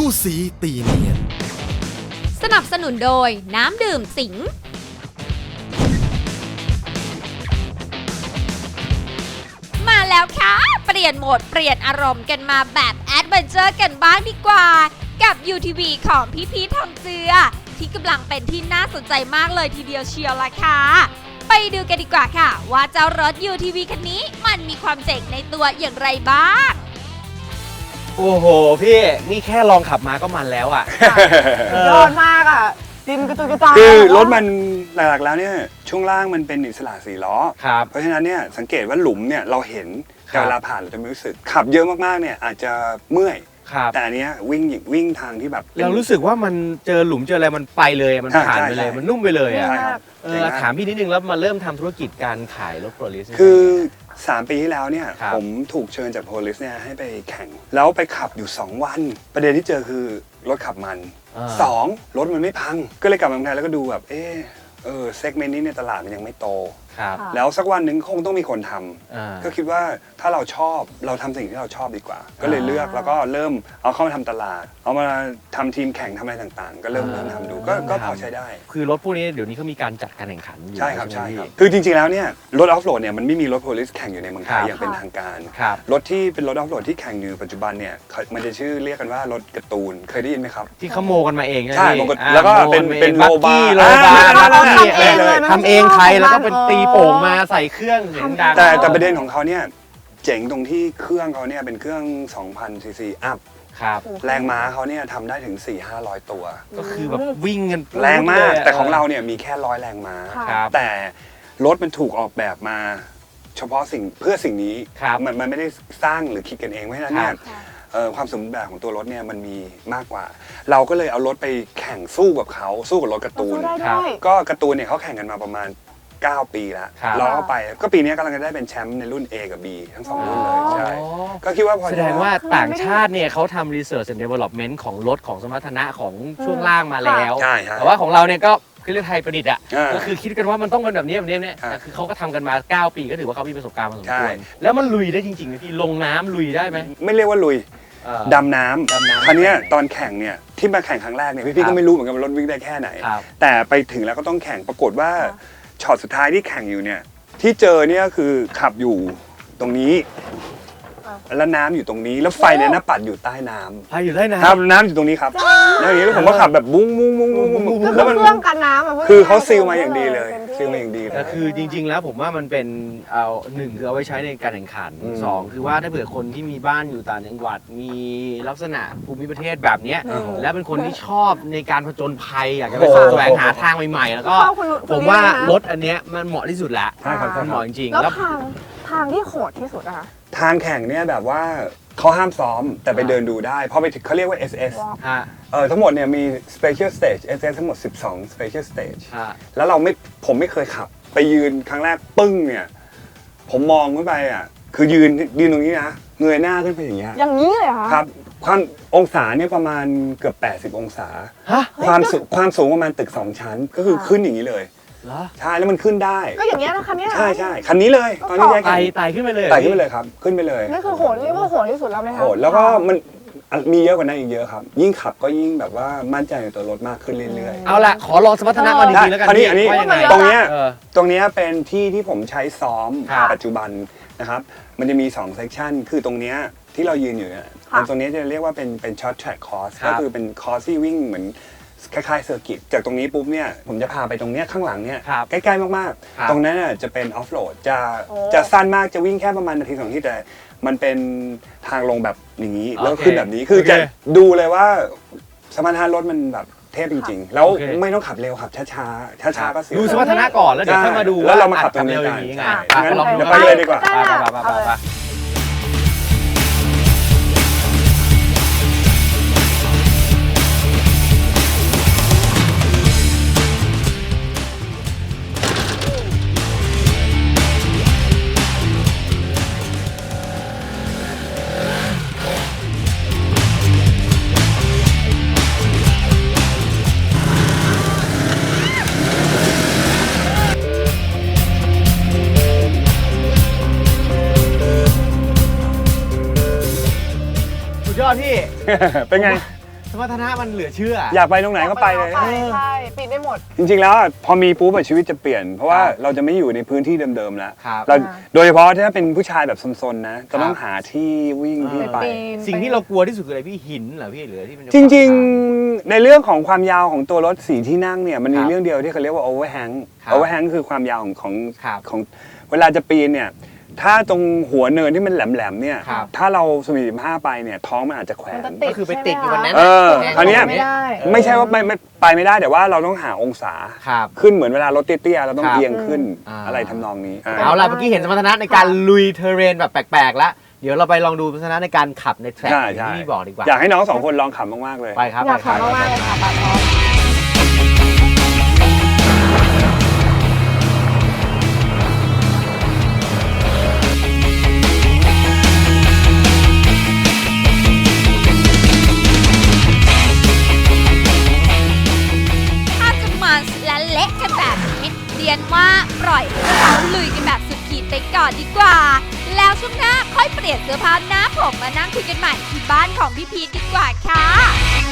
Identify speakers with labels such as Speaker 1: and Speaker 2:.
Speaker 1: สู้สีตีเนียน
Speaker 2: สนับสนุนโดยน้ำดื่มสิงมาแล้วค่ะเปลี่ยนโหมดเปลี่ยนอารมณ์กันมาแบบแอดเวนเจอร์กันบ้างดีกว่ากับ UTV ของพี่พีททองเจือที่กำลังเป็นที่น่าสนใจมากเลยทีเดียวเชียวล่ะค่ะไปดูกันดีกว่าค่ะว่าเจ้ารถ UTV คันนี้มันมีความเจ๋งในตัวอย่างไรบ้าง
Speaker 3: โอ้โหพี่นี่แค่ลองขับมาก็มันแล้วอ่ะ
Speaker 4: ยอดมากอ่ะดินกระจุยกระจาย
Speaker 5: คือรถมันหลักๆแล้วเนี่ยช่วงล่างมันเป็นอิสระ4ล้อ
Speaker 3: ครับ
Speaker 5: เพราะฉะนั้นเนี่ยสังเกตว่าหลุมเนี่ยเราเห็นแต่เวลาผ่านเราจะไม่รู้สึกขับเยอะมากๆเนี่ยอาจจะเมื่อยแต่อันเนี้ยวิ่งทางที่แบบ
Speaker 3: เรารู้สึกว่ามันเจอหลุมเจออะไรมันไปเลยมันผ่านไปเลยมันนุ่มไปเลยอ่ะถามพี่นิดนึงแล้วมาเริ่มทำธุรกิจการขายรถโพลิส
Speaker 5: คือ3 ปีที่แล้วเนี่ยผมถูกเชิญจากโพลิสเนี่ยให้ไปแข่งแล้วไปขับอยู่2 วันประเด็นที่เจอคือรถขับมัน2รถมันไม่พังก็เลยกลับมาเมืองไทยแล้วก็ดูแบบเซกเมนต์นี้ในตลาดมันยังไม่โตแล้วสักวันหนึ่งคงต้องมีคนทำก็คิดว่าถ้าเราชอบเราทำสิ่งที่เราชอบดีกว่าก็เลยเลือกแล้วก็เริ่มเอาเข้ามาทำตลาดเอามาทำทีมแข่งทำอะไรต่างๆก็เริ่มทำดูก็พอใช้ได้
Speaker 3: คือรถพวกนี้เดี๋ยวนี้เขามีการจัดการแข่งขันอยู่
Speaker 5: ใช่ครับคือจริงๆแล้วเนี่ยรถออฟโรดเนี่ยมันไม่มีรถโพลิสแข่งอยู่ในเมืองไทยอย่างเป็นทางการรถที่เป็นรถออฟโรดที่แข่งอยู่ปัจจุบันเนี่ยมันจะชื่อเรียกกันว่ารถการ์ตูนเคยได้ยินไหมครับ
Speaker 3: ที่เขาโมกันมาเอง
Speaker 5: ใช่แล้วก็เป็นโลบาร์
Speaker 3: ทำเองไทยแล้วก็เป็นตีโป่งมาใส่เครื่องเสียงดัง
Speaker 5: แต่ประเด็นของเขาเนี่ยเจ๋งตรงที่เครื่องเขาเนี่ยเป็นเครื่อง 2,000 ซีซีอัพแรงม้าเขาเนี่ยทำได้ถึง 400-500 ตัว
Speaker 3: ก็คือแบบวิ่งกัน
Speaker 5: แรงมากแต่ของเราเนี่ยมีแค่100 แรงม้าแต่รถมันถูกออกแบบมาเฉพาะเพื่อสิ่งนี้มันไม่ได้สร้างหรือคิดกันเองเพราะฉะนั้นเนี่ยความสมบูรณ์แบบของตัวรถเนี่ยมันมีมากกว่าเราก็เลยเอารถไปแข่งสู้กับเขาสู้กับรถการ์ตูนก็การ์ตูนเนี่ยเขาแข่งกันมาประมาณ9 ปีแล้วเราก็ไปก็ปีนี้กำลังจะได้เป็นแชมป์ในรุ่น A กับ B ทั้ง2รุ่นเลยใช่ก็คิดว่าพอ
Speaker 3: แสดงว่าต่างชาติเนี่ยเขาทำ research and development ของรถของสมรรถนะของช่วงล่างมาแล้วแต่ว่าของเราเนี่ยก็คือเรื่องไทยประดิษฐ์อ่ะก็คือคิดกันว่ามันต้องเป็นแบบนี้เนี่ยคือเขาก็ทำกันมา9 ปีก็ถือว่าเขามีประสบการณ์พอสมควรแล้วมันลุยได้จริงๆนะพี่ลงน้ำลุยได้ไหม
Speaker 5: ไม่เรียกว่าลุยดำน้ำครั้งนี้ตอนแข่งเนี่ยที่มาแข่งครั้งแรกเนี่ยพี่ก็ไม่รู้เหมือนกันว่ารถวิ่งได้แค่ไหนแต่ไปถึงแล้วก็ต้องแข่งปรากฏว่าช็อตสุดท้ายที่แข่งอยู่เนี่ยที่เจอเนี่ยคือขับอยู่ตรงนี้แล้วน้ำอยู่ตรงนี้แล้วไฟเนี่ยน้าปัดอยู่ใต้น้ำ
Speaker 3: ไฟอยู่ใต้น้
Speaker 5: ำครับน้ำอยู่ตรงนี้ครับแล้วอย่างนี้ผมก็ขับแบบบุ้ง
Speaker 4: แล้วมันเครื่องกันน้ำ
Speaker 5: คือเขาซีลมาอย่างดีเลยซีลมาอย่างดี
Speaker 3: แต่คือจริงๆแล้วผมว่ามันเป็น1คือเอาไว้ใช้ในการแข่งขัน2คือว่าถ้าเผื่อคนที่มีบ้านอยู่ต่างจังหวัดมีลักษณะภูมิประเทศแบบนี้และเป็นคนที่ชอบในการผจญภัยอยากจะไปแสวงหาทางใหม่ๆแล้วก็ผมว่ารถอันนี้มันเหมาะที่สุดแล้วมันเหมาะจริง
Speaker 4: ๆแล้วทางที่โหดที่สุดอะคะ
Speaker 5: ทางแข่งเนี่ยแบบว่าเขาห้ามซ้อมแต่ไปเดินดูได้เพราะไปถึงเขาเรียกว่า SS ทั้งหมดเนี่ยมี Special Stage SS ทั้งหมด12 Special Stage แล้วผมไม่เคยขับไปยืนครั้งแรกปึ้งเนี่ยผมมองขึ้นไปอ่ะคือยืนตรงนี้นะเงยหน้าขึ้นไปอย่างเงี้ย
Speaker 4: อย่างนี้เลยเหรอ
Speaker 5: ครับความองศาเนี่ยประมาณเกือบ80 องศาความสูงประมาณตึก2 ชั้นก็คือขึ้นอย่างนี้เลยใช่แล้วมันขึ้นได้
Speaker 4: ก็อย่างเงี้ยนะคันนี้
Speaker 5: ใช่คันนี้เลยตอนนี้
Speaker 3: ไต่ขึ้นไปเลย
Speaker 5: ครับขึ้นไปเลย
Speaker 4: นั่นคือโหดเรียกว่าโหดที่สุดแล้วไหมคะโห
Speaker 5: ดแล้วก็มันมีเยอะกว่านั้นอีกเยอะครับยิ่งขับก็ยิ่งแบบว่ามั่นใจในตัวรถมากขึ้นเรื่อย
Speaker 3: ๆเอาละขอลองสมรรถนะมาดีๆแล้วกัน
Speaker 5: อันนี้ตรงนี้เป็นที่ผมใช้ซ้อมปัจจุบันนะครับมันจะมี2 section คือตรงนี้ที่เรายืนอยู่เนี่ยตรงนี้จะเรียกว่าเป็น short track course ก็คือเป็นคอร์สที่วิ่งเหมือนคล้ายๆเซอร์กิตจากตรงนี้ปุ๊บเนี่ยผมจะพาไปตรงเนี้ยข้างหลังเนี่ยใกล้ๆมากๆตรงนั้นจะเป็นออฟโรดจะสั้นมากจะวิ่งแค่ประมาณ1-2 นาทีแต่มันเป็นทางลงแบบอย่างนี้แล้วขึ้นแบบนี้คือจะดูเลยว่าสมรรถนะรถมันแบบเทพจริงๆแล้วไม่ต้องขับเร็วขับช้าก็เสีย
Speaker 3: ดูสมรรถนะก่อนแล้วเดี๋ยวค่อยมาดู
Speaker 5: แล้วเรามาขับตรงนี้กันงั้นเดี๋ยวไปเลยดีกว่า
Speaker 3: ยอดพี่
Speaker 5: เป็นไง
Speaker 3: มรรถนะมันเหลือเชื่อ
Speaker 5: อยากไปตรงไหนก็ไปเลย
Speaker 4: ใช่ปีนได้หมด
Speaker 5: จริงๆแล้วอะพอมีปุ๊บอะชีวิตจะเปลี่ยน เพราะว่า
Speaker 3: ครับ
Speaker 5: เราจะไม่อยู่ในพื้นที่เดิมๆแล้ว
Speaker 3: ครับ
Speaker 5: เราโดยเฉพาะถ้าเป็นผู้ชายแบบซนๆนะจะต้องหาที่วิ่งที่ไป
Speaker 4: ปีน
Speaker 3: สิ่งที่เรากลัวที่สุดคืออะไรพี่หินเหรอพี่หรือที่มันจะ
Speaker 5: จริงๆ ในเรื่องของความยาวของตัวรถ4ที่นั่งเนี่ยมันมี
Speaker 3: ครับ
Speaker 5: เรื่องเดียวที่เขาเรียกว่า overhang
Speaker 3: ครับ
Speaker 5: overhang คือความยาวของ
Speaker 3: ครับ
Speaker 5: ของเวลาจะปีนเนี่ยถ้าตรงหัวเนินที่มันแหลมๆเนี่ย
Speaker 3: ครับ
Speaker 5: ถ้าเราสมิบ5ไปเนี่ยท้องมันอาจจะแขว
Speaker 4: มัน
Speaker 5: น
Speaker 4: จะติด
Speaker 3: ก็คือไปติดอยู่วันนั้น
Speaker 5: เออ
Speaker 3: แน่
Speaker 5: อันเนี้ย
Speaker 4: ไม่ได้
Speaker 5: ไม่ใช่ว่าไม่ไปไม่ได้แต่ว่าเราต้องหาองศา
Speaker 3: ครับ
Speaker 5: ขึ้นเหมือนเวลารถเตี้ยๆเราต้อง
Speaker 3: ครับ
Speaker 5: เอียงขึ้น
Speaker 3: อ่า
Speaker 5: อะไรทำนองนี้
Speaker 3: เอาล่ะเมื่อกี้เห็นสมรรถนะในการลุยเทอร์เรนแบบแปลกๆแล้ว เดี๋ยวเราไปลองดูสมรรถนะในการขับในแทร็ก
Speaker 5: ใช่
Speaker 3: ที่
Speaker 5: ใช่
Speaker 3: พี่บอกดีกว่า
Speaker 5: อยากให้น้องสองคนลองขับมากๆเลย
Speaker 3: ไปครับ
Speaker 4: อยาก
Speaker 3: ไปครับ
Speaker 4: ทำมากๆเลยค่ะปาท้อง
Speaker 2: ถ้าจะมันและเละกันแบบนี้เรียนว่าปล่อยให้เราลุยกันแบบสุดขีดไปก่อนดีกว่า แล้วช่วงหน้าค่อยเปลี่ยนเสื้อผ้าหน้าผมมานั่งคุยกันใหม่ที่บ้านของพี่พีทดีกว่าค่ะ